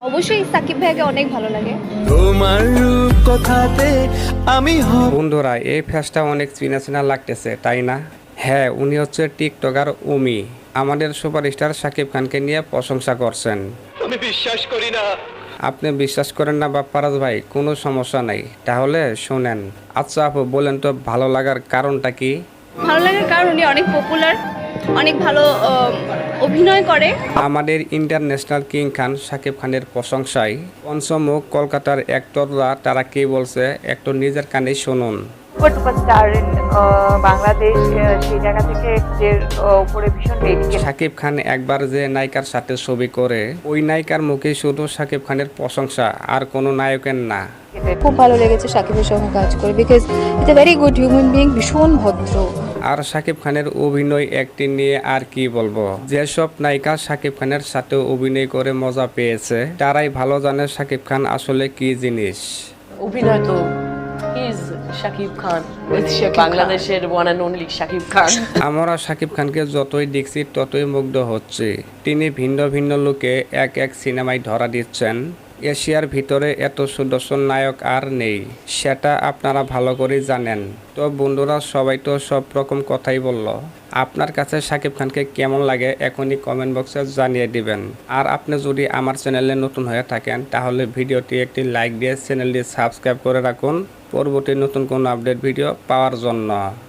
অবশ্যই সাকিব ভাইকে অনেক ভালো লাগে। তোমার কথাতে আমি বন্ধুরা এই ফেসটা অনেক চেনা চেনা লাগতেছে তাই না? হ্যাঁ, উনি হচ্ছে টিকটকার উমি। আমাদের সুপারস্টার সাকিব খানকে নিয়ে প্রশংসা করছেন। আমি বিশ্বাস করি না। আপনি বিশ্বাস করেন না বাপ্পারাজ ভাই, কোনো সমস্যা নাই, তাহলে শোনেন। আচ্ছা আপু, বলেন তো ভালো লাগার কারণটা কি? ভালো লাগার কারণ উনি অনেক পপুলার, অনেক ভালো অভিনয় করে। আমাদের ইন্টারন্যাশনাল কিং খান সাকিব খানের প্রশংসায় পঞ্চমুখ কলকাতার অ্যাক্টররা তারা কি বলছে একটু নিজের কানে শুনুন। সুপারস্টার ইন বাংলাদেশ, সেই জায়গা থেকে যে উপরে ভীষণ রেটিং। সাকিব খান একবার যে নায়িকার সাথে ছবি করে ওই নায়িকার মুখে শুধু সাকিব খানের প্রশংসা, আর কোনো নায়কের না। খুব ভালো লেগেছে সাকিবের সঙ্গে কাজ করে, because it's a very good human being, ভীষণ ভদ্র। আর সাকিব খানের অভিনয় অ্যাক্টিং নিয়ে আর কি বলবো, যেসব নায়িকা সাকিব খানের সাথে অভিনয় করে মজা পেয়েছে তারাই ভালো জানে সাকিব খান আসলে কি জিনিস। অভিনয় তো ইজ শাকিব খান, বাংলাদেশের one and only Shakib Khan. আমরা সাকিব খানকে যতই দেখছি ততই মুগ্ধ হচ্ছে। তিনি ভিন্ন ভিন্ন লোকে এক এক সিনেমায় ধরা দিচ্ছেন। এশিয়ার ভিতরে এত সুদর্শন নায়ক আর নেই, সেটা আপনারা ভালো করে জানেন। তো বন্ধুরা, সবাই তো সব রকম কথাই বলল। আপনার কাছে সাকিব খানকে কেমন লাগে এখনই কমেন্ট বক্সে জানিয়ে দিবেন। আর আপনি যদি আমার চ্যানেলে নতুন হয়ে থাকেন তাহলে ভিডিওটি একটি লাইক দিয়ে চ্যানেলটি সাবস্ক্রাইব করে রাখুন পরবর্তী নতুন কোনো আপডেট ভিডিও পাওয়ার জন্য।